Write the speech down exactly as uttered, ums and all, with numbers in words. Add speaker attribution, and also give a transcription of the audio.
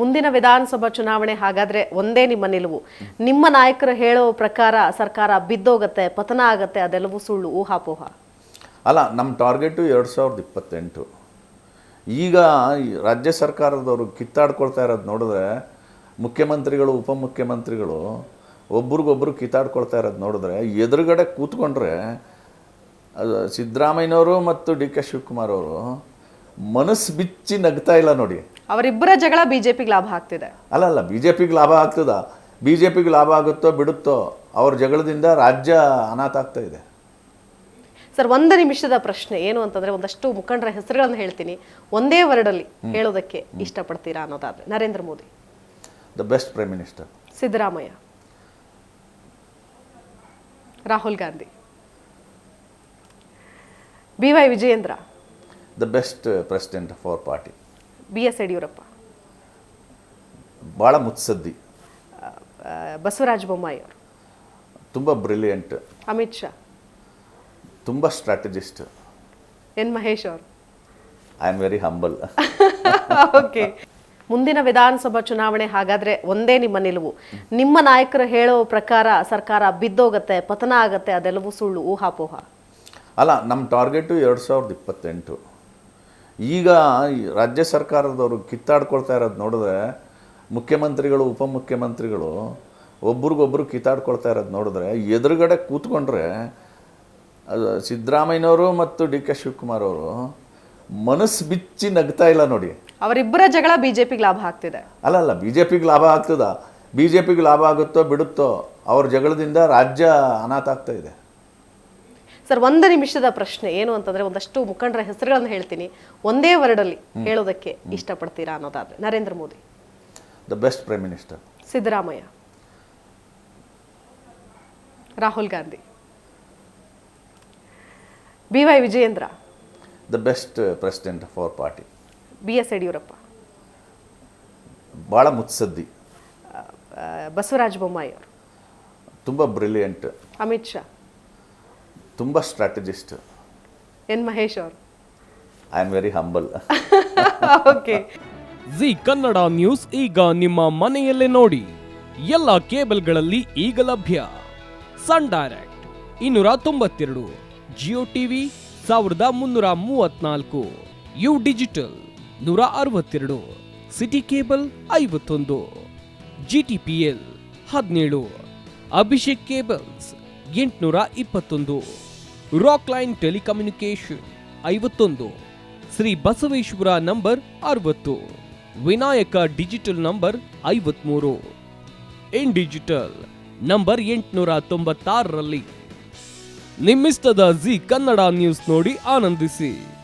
Speaker 1: ಮುಂದಿನ ವಿಧಾನಸಭಾ ಚುನಾವಣೆ ಹಾಗಾದ್ರೆ ಒಂದೇ ನಿಮ್ಮ ನಿಲುವು. ನಿಮ್ಮ ನಾಯಕರು ಹೇಳೋ ಪ್ರಕಾರ ಸರ್ಕಾರ ಬಿದ್ದೋಗತ್ತೆ, ಪತನ ಆಗತ್ತೆ, ಅದೆಲ್ಲವೂ ಸುಳ್ಳು, ಊಹಾಪೋಹ?
Speaker 2: ಅಲ್ಲ, ನಮ್ಮ ಟಾರ್ಗೆಟು ಎರಡು ಸಾವಿರದ ಇಪ್ಪತ್ತೆಂಟು. ಈಗ ರಾಜ್ಯ ಸರ್ಕಾರದವರು ಕಿತ್ತಾಡ್ಕೊಳ್ತಾ ಇರೋದು ನೋಡಿದ್ರೆ, ಮುಖ್ಯಮಂತ್ರಿಗಳು ಉಪಮುಖ್ಯಮಂತ್ರಿಗಳು ಒಬ್ರಿಗೊಬ್ರು ಕಿತ್ತಾಡ್ಕೊಳ್ತಾ ಇರೋದು ನೋಡಿದ್ರೆ, ಎದುರುಗಡೆ ಕೂತ್ಕೊಂಡ್ರೆ ಸಿದ್ದರಾಮಯ್ಯನವರು ಮತ್ತು ಡಿ ಕೆ ಶಿವಕುಮಾರ್ ಅವರು ಮನಸ್ಸು ಬಿಚ್ಚಿ ನಗ್ತಾ ಇಲ್ಲ ನೋಡಿ.
Speaker 1: ಅವರಿಬ್ಬರ ಜಗಳ ಬಿಜೆಪಿಗೆ ಲಾಭ ಆಗ್ತಿದೆ.
Speaker 2: ಅಲ್ಲ ಅಲ್ಲ ಬಿ ಜೆ ಪಿಗೆ ಲಾಭ ಆಗ್ತದ? ಬಿ ಜೆ ಪಿಗೆ ಲಾಭ ಆಗುತ್ತೋ ಬಿಡುತ್ತೋ, ಅವ್ರ ಜಗಳದಿಂದ ರಾಜ್ಯ ಅನಾಥ ಆಗ್ತಾ ಇದೆ.
Speaker 1: ಸರ್, ಒಂದು ನಿಮಿಷದ ಪ್ರಶ್ನೆ ಏನು ಅಂತಂದ್ರೆ, ಒಂದಷ್ಟು ಮುಖಂಡರ ಹೆಸರುಗಳನ್ನು ಹೇಳ್ತೀನಿ, ಒಂದೇ ವರ್ಡಲ್ಲಿ ಹೇಳೋದಕ್ಕೆ ಇಷ್ಟಪಡ್ತೀರಾ ಅನ್ನೋದಾದ್ರೆ? Narendra Modi,
Speaker 2: the best prime minister.
Speaker 1: Siddaramaiah, Rahul Gandhi, B Y Vijayendra,
Speaker 2: the best president of our party.
Speaker 1: B S Yediyurappa,
Speaker 2: ಭಾಳ ಮುತ್ಸದ್ದಿ.
Speaker 1: ಬಸವರಾಜ ಬೊಮ್ಮಾಯಿ ಅವರು,
Speaker 2: ತುಂಬ ಬ್ರಿಲಿಯಂಟ್.
Speaker 1: ಅಮಿತ್ ಶಾ,
Speaker 2: ತುಂಬ ಸ್ಟ್ರಾಟಜಿಸ್ಟ್.
Speaker 1: ಎನ್ ಮಹೇಶ್ ಅವರು,
Speaker 2: I am very humble.
Speaker 1: Okay. ಮುಂದಿನ ವಿಧಾನಸಭಾ ಚುನಾವಣೆ ಹಾಗಾದ್ರೆ ಒಂದೇ ನಿಮ್ಮ ನಿಲುವು. ನಿಮ್ಮ ನಾಯಕರು ಹೇಳೋ ಪ್ರಕಾರ ಸರ್ಕಾರ ಬಿದ್ದೋಗತ್ತೆ, ಪತನ ಆಗತ್ತೆ, ಅದೆಲ್ಲವೂ ಸುಳ್ಳು, ಊಹಾಪೋಹ?
Speaker 2: ಅಲ್ಲ, ನಮ್ಮ ಟಾರ್ಗೆಟು ಎರಡು ಸಾವಿರದ ಇಪ್ಪತ್ತೆಂಟು. ಈಗ ರಾಜ್ಯ ಸರ್ಕಾರದವರು ಕಿತ್ತಾಡ್ಕೊಳ್ತಾ ಇರೋದು ನೋಡಿದ್ರೆ, ಮುಖ್ಯಮಂತ್ರಿಗಳು ಉಪಮುಖ್ಯಮಂತ್ರಿಗಳು ಒಬ್ರಿಗೊಬ್ರು ಕಿತ್ತಾಡ್ಕೊಳ್ತಾ ಇರೋದು ನೋಡಿದ್ರೆ, ಎದುರುಗಡೆ ಕೂತ್ಕೊಂಡ್ರೆ ಸಿದ್ದರಾಮಯ್ಯನವರು ಮತ್ತು ಡಿ ಕೆ ಶಿವಕುಮಾರ್ ಅವರು ಮನಸ್ಸು ಬಿಚ್ಚಿ ನಗ್ತಾ ಇಲ್ಲ ನೋಡಿ.
Speaker 1: ಅವರಿಬ್ಬರ ಜಗಳ ಬಿಜೆಪಿಗೆ ಲಾಭ ಆಗ್ತಿದೆ.
Speaker 2: ಅಲ್ಲ ಅಲ್ಲ ಬಿ ಜೆ ಪಿಗೆ ಲಾಭ ಆಗ್ತದ? ಬಿ ಜೆ ಪಿಗೆ ಲಾಭ ಆಗುತ್ತೋ ಬಿಡುತ್ತೋ, ಅವ್ರ ಜಗಳದಿಂದ ರಾಜ್ಯ ಅನಾಥ ಆಗ್ತಾ ಇದೆ.
Speaker 1: ಸರ್, ಒಂದು ನಿಮಿಷದ ಪ್ರಶ್ನೆ ಏನು ಅಂತಂದ್ರೆ, ಒಂದಷ್ಟು ಮುಖಂಡರ ಹೆಸರುಗಳನ್ನು ಹೇಳ್ತೀನಿ, ಒಂದೇ ವರ್ಡಲ್ಲಿ ಹೇಳೋದಕ್ಕೆ ಇಷ್ಟಪಡ್ತೀರಾ ಅನ್ನೋದಾದ್ರೆ? Narendra Modi,
Speaker 2: the best prime minister.
Speaker 1: Siddaramaiah, Rahul Gandhi, B Y Vijayendra,
Speaker 2: the best president of our party.
Speaker 1: B S Yediyurappa,
Speaker 2: ಭಾಳ ಮುತ್ಸದ್ದಿ.
Speaker 1: ಬಸವರಾಜ ಬೊಮ್ಮಾಯಿ ಅವರು,
Speaker 2: ತುಂಬ ಬ್ರಿಲಿಯಂಟ್.
Speaker 1: ಅಮಿತ್ ಶಾ,
Speaker 2: ತುಂಬ ಸ್ಟ್ರಾಟಜಿಸ್ಟ್.
Speaker 1: ಎನ್ ಮಹೇಶ್ ಅವರು,
Speaker 2: I am very humble.
Speaker 1: Okay.
Speaker 3: Zee Kannada news ಈಗ ನಿಮ್ಮ ಮನೆಯಲ್ಲೇ ನೋಡಿ. ಎಲ್ಲ ಕೇಬಲ್ಗಳಲ್ಲಿ ಈಗ ಲಭ್ಯ. ಸನ್ ಡೈರೆಕ್ಟ್ ಇನ್ನೂರ ತೊಂಬತ್ತೆರಡು, ಜಿಯೋ ಟಿವಿ ಸಾವಿರದ ಮುನ್ನೂರ ಮೂವತ್ನಾಲ್ಕು, ಯು ಡಿಜಿಟಲ್ ನೂರ ಅರವತ್ತೆರಡು, ಸಿಟಿ ಕೇಬಲ್ ಐವತ್ತೊಂದು, ಜಿ ಟಿ ಪಿ ಎಲ್ ಹದಿನೇಳು, ಅಭಿಷೇಕ್ ಕೇಬಲ್ಸ್ ಎಂಟುನೂರ ಇಪ್ಪತ್ತೊಂದು, ರಾಕ್ ಲೈನ್ ಟೆಲಿಕಮ್ಯುನಿಕೇಶನ್ ಐವತ್ತೊಂದು, ಶ್ರೀ ಬಸವೇಶ್ವರ ನಂಬರ್ ಅರವತ್ತು, ವಿನಾಯಕ ಡಿಜಿಟಲ್ ನಂಬರ್ ಐವತ್ಮೂರು, ಇನ್ ಡಿಜಿಟಲ್ ನಂಬರ್ ಎಂಟುನೂರ ತೊಂಬತ್ತಾರರಲ್ಲಿ. ನಿಮ್ಮಿಸ್ತದ ಜಿ ಕನ್ನಡ ನ್ಯೂಸ್ ನೋಡಿ ಆನಂದಿಸಿ.